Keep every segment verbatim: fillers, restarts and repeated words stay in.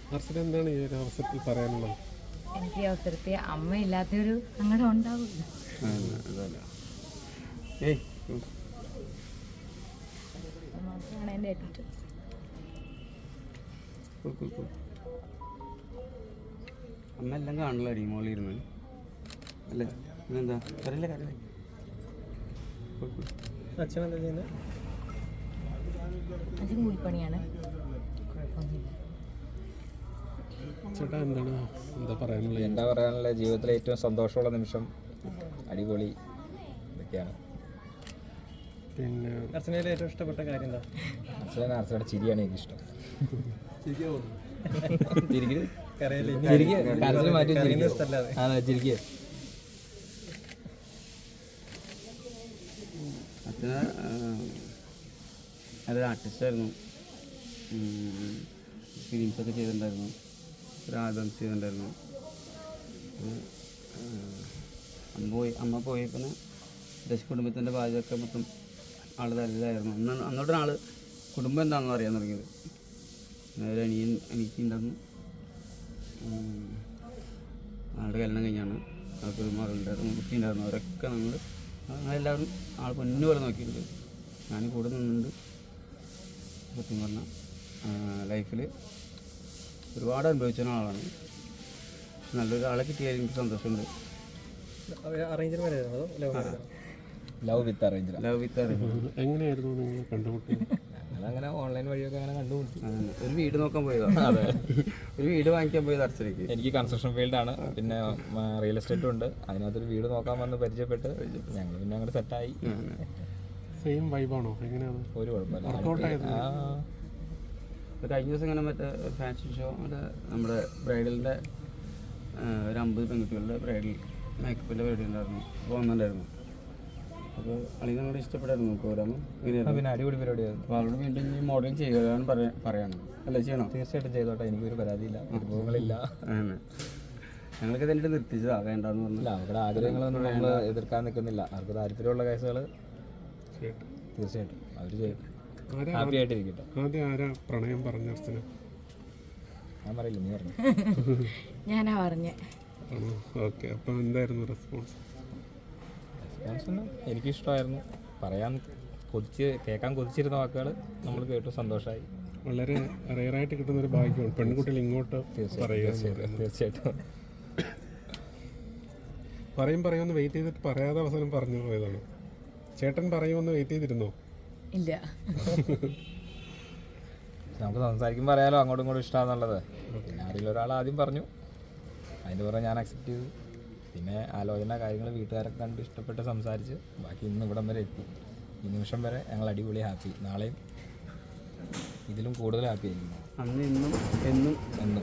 എന്താണ് ഈ ഒരു അവസരത്തിൽ പറയാനുള്ളത്? എനിക്ക് ഈ അവസരത്തിൽ അമ്മയില്ലാത്തൊരു സങ്കടം ഉണ്ടാവില്ല. മാത്രമാണ് എൻ്റെ ഏറ്റവും അമ്മ എല്ലാം കാണല്ലോ അടി മോളിരുന്ന് അല്ലേ? പിന്നെന്താ കറിയില്ല കറിയില്ല. അച്ഛനെന്താ ചെയ്യുന്നത്? അച്ഛൻ കൂലിപ്പണിയാണ്, കുഴപ്പമൊന്നുമില്ല. ചേട്ടാ എന്താണ് എന്താ പറയാനുള്ളത്? എന്താ പറയാനുള്ള ജീവിതത്തിലെ ഏറ്റവും സന്തോഷമുള്ള നിമിഷം, അടിപൊളി ഇതൊക്കെയാണ്. പിന്നെ അർച്ചനയിൽ ഏറ്റവും ഇഷ്ടപ്പെട്ട കാര്യം എന്താ? അച്ഛനെ അർച്ചനയുടെ ചിരിയാണ് എനിക്കിഷ്ടം. അച്ഛന് നല്ലൊരു ആർട്ടിസ്റ്റായിരുന്നു. ഫിലിംസൊക്കെ ചെയ്തിട്ടുണ്ടായിരുന്നു, ഒരു ആൽബംസ് ചെയ്തിട്ടുണ്ടായിരുന്നു. അമ്മ പോയി അമ്മ പോയി പിന്നെ ദശ കുടുംബത്തിൻ്റെ പാചകമൊക്കെ മൊത്തം ആൾ തല്ലായിരുന്നു. അന്ന് അന്നോട്ടാണ് ആൾ കുടുംബം എന്താണെന്ന് അറിയാൻ തുടങ്ങിയത്. ഒരു അനിയൻ അനിയത്തിണ്ടായിരുന്നു, ആളുടെ കല്യാണം കഴിഞ്ഞാണ്. ആൾക്കൊരു മകളുണ്ടായിരുന്നു, കുട്ടി ഉണ്ടായിരുന്നു. അവരൊക്കെ നമ്മൾ ഞങ്ങളെല്ലാവരും ആൾ പൊന്നു പോലെ നോക്കിയിട്ടുണ്ട്. ഞാൻ കൂടെ നിന്നുണ്ട്. സത്യം പറഞ്ഞാൽ ലൈഫിൽ ഒരുപാട് അനുഭവിച്ച ആളാണ്. നല്ലൊരു ആളെ കിട്ടിയാൽ എനിക്ക് സന്തോഷമുണ്ട്. അറേഞ്ച്ഡ് മാരേജ് ആണോ അതോ ലവ് മാരേജ് ആണോ? Love with arrange. Love with arrange. എങ്ങനെയായിരുന്നു നിങ്ങൾ കണ്ടുമുട്ടിയത്? അങ്ങനെ ഓൺലൈൻ വഴിയൊക്കെ അങ്ങനെ കണ്ടുപിടിച്ചു. ഒരു വീട് നോക്കാൻ പോയതാണ്. അതെ, ഒരു വീട് വാങ്ങിക്കാൻ പോയത് അർച്ചനയ്ക്ക്. എനിക്ക് കൺസ്ട്രക്ഷൻ ഫീൽഡാണ്, പിന്നെ റിയൽ എസ്റ്റേറ്റും ഉണ്ട്. അതിനകത്തൊരു വീട് നോക്കാൻ വന്ന് പരിചയപ്പെട്ട് ഞങ്ങൾ പിന്നെ അങ്ങോട്ട് സെറ്റായി. സെയിം വൈബാണോ? എങ്ങനെയാണ്? ഒരു കുഴപ്പമില്ല. കഴിഞ്ഞ ദിവസം ഇങ്ങനെ മറ്റേ ഫാഷൻ ഷോ അവിടെ നമ്മുടെ ബ്രൈഡലിൻ്റെ ഒരു അമ്പത് പെൺകുട്ടികളുടെ ബ്രൈഡൽ മേക്കപ്പിൻ്റെ പരിപാടി ഉണ്ടായിരുന്നു. അപ്പോൾ വന്നിട്ടുണ്ടായിരുന്നു. അപ്പോൾ അല്ലെങ്കിൽ നമ്മളോട് ഇഷ്ടപ്പെട്ടായിരുന്നു പ്രോഗ്രാം. പിന്നെ അടിപൊളി പരിപാടിയായിരുന്നു. അപ്പോൾ അവരോട് വീണ്ടും ഈ മോഡലിംഗ് ചെയ്യുകയാണ് പറയാൻ പറയണം അല്ലേ? ചെയ്യണം, തീർച്ചയായിട്ടും ചെയ്തോട്ടെ. എനിക്കൊരു പരാതിയില്ല, അനുഭവങ്ങളില്ല. ഞങ്ങൾക്ക് തന്നെ നിർത്തിച്ചതാ വേണ്ടെന്ന് പറഞ്ഞില്ല. അവരുടെ ആഗ്രഹങ്ങളൊന്നും നമ്മൾ എതിർക്കാൻ നിൽക്കുന്നില്ല. അവർക്ക് താല്പര്യമുള്ള കേസുകൾ തീർച്ചയായിട്ടും അവർ ചെയ്യും. ഹാപ്പി ആയിട്ടിരിക്കട്ടെ. ആദ്യം ആരാ പ്രണയം പറഞ്ഞ അർച്ചന? ഞാൻ പറയില്ല, നീ പറഞ്ഞു. ഞാനാ പറഞ്ഞേ. ഓക്കെ, അപ്പോൾ എന്തായിരുന്നു റെസ്പോൺസ്? റെസ്പോൺസ് എനിക്കിഷ്ടമായിരുന്നു. പറയാൻ കൊതിച്ച് കേൾക്കാൻ കൊതിച്ചിരുന്ന വാക്കുകൾ നമ്മൾ കേട്ടു, സന്തോഷമായി. വളരെ റെയറായിട്ട് കിട്ടുന്ന ഒരു ഭാഗ്യമാണ് പെൺകുട്ടികൾ ഇങ്ങോട്ട് പറയുക. തീർച്ചയായിട്ടും പറയും പറയുമെന്ന് വെയിറ്റ് ചെയ്തിട്ട് പറയാതെ അവസാനം പറഞ്ഞു പോയതാണ്. ചേട്ടൻ പറയുമെന്ന് വെയിറ്റ് ചെയ്തിരുന്നോ? ഇല്ല. നമുക്ക് സംസാരിക്കുമ്പോൾ അറിയാലോ അങ്ങോട്ടും ഇങ്ങോട്ടും ഇഷ്ടമാണെന്നുള്ളത്. പിന്നെ ആരെങ്കിലും ഒരാൾ ആദ്യം പറഞ്ഞു, അതിൻ്റെ പുറമെ ഞാൻ അക്സെപ്റ്റ് ചെയ്തു. പിന്നെ ആലോചന കാര്യങ്ങൾ വീട്ടുകാരൊക്കെ കണ്ട് ഇഷ്ടപ്പെട്ട് സംസാരിച്ച് ബാക്കി ഇന്ന് ഇവിടം വരെ എത്തി. ഈ നിമിഷം വരെ ഞങ്ങൾ അടിപൊളി ഹാപ്പി. നാളെയും ഇതിലും കൂടുതൽ ഹാപ്പി ആയിരിക്കും. അന്ന് ഇന്നും എന്നും എന്നും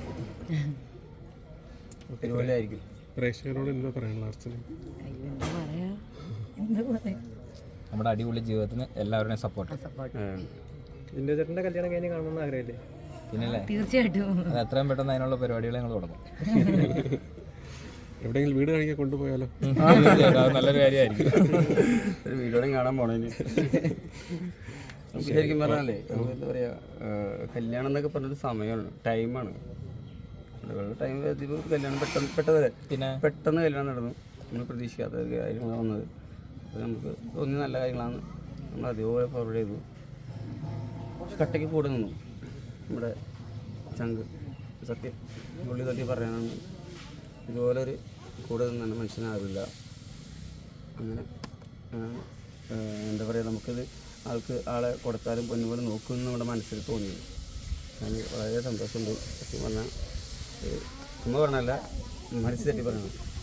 ഒരുപോലെ ആയിരിക്കും. പ്രേക്ഷകരോട് എന്താ പറയാനുള്ള അർച്ചന? എന്താ പറയാ എന്താ പറയാ നമ്മുടെ അടിപൊളി ജീവിതത്തിന് എല്ലാവരുടെയും സപ്പോർട്ട്. സപ്പോർട്ട്. ജിൻഡോ ചേട്ടൻ്റെ കല്യാണം കഴിഞ്ഞ് കാണണമെന്ന് ആഗ്രഹമില്ലേ? പിന്നല്ലേ, തീർച്ചയായിട്ടും. അത് എത്രയും പെട്ടെന്ന് അതിനുള്ള പരിപാടികൾ ഞങ്ങൾ തുടങ്ങും. എവിടെയെങ്കിലും വീട് കഴിക്കാൻ കൊണ്ടുപോയാലോ? അത് നല്ലൊരു കാര്യമായിരിക്കും. ഒരു വീഡിയോയും കാണാൻ പോണേന്. ശരിക്കും പറഞ്ഞാലേ നമുക്ക് എന്താ പറയുക, കല്യാണം എന്നൊക്കെ പറഞ്ഞൊരു സമയമാണ്, ടൈമാണ്. ടൈം കല്യാണം പെട്ടെന്ന് പെട്ടെന്ന് പിന്നെ പെട്ടെന്ന് കല്യാണം നടന്നു. നമ്മൾ പ്രതീക്ഷിക്കാത്ത കാര്യങ്ങളാണ് വന്നത്. അപ്പോൾ നമുക്ക് തോന്നിയ നല്ല കാര്യങ്ങളാണ് നമ്മൾ അതേപോലെ ഫോർവേഡ് ചെയ്തു. കട്ടയ്ക്ക് കൂടെ നിന്നു നമ്മുടെ ചങ്ക്. സത്യം പുള്ളി തട്ടി പറയാനാണ്, ഇതുപോലൊരു കൂടെ നിന്നാണ് മനുഷ്യനാവില്ല. അങ്ങനെ എന്താ പറയുക, നമുക്കിത് ആൾക്ക് ആളെ കൊടുത്താലും പൊന്നുപോലെ നോക്കുമെന്ന് നമ്മുടെ മനസ്സിൽ തോന്നി. അതിന് വളരെ സന്തോഷമുണ്ട്. സത്യം പറഞ്ഞാൽ ചുമ്മാ പറഞ്ഞല്ല, മനസ്സിൽ തട്ടി പറയണം.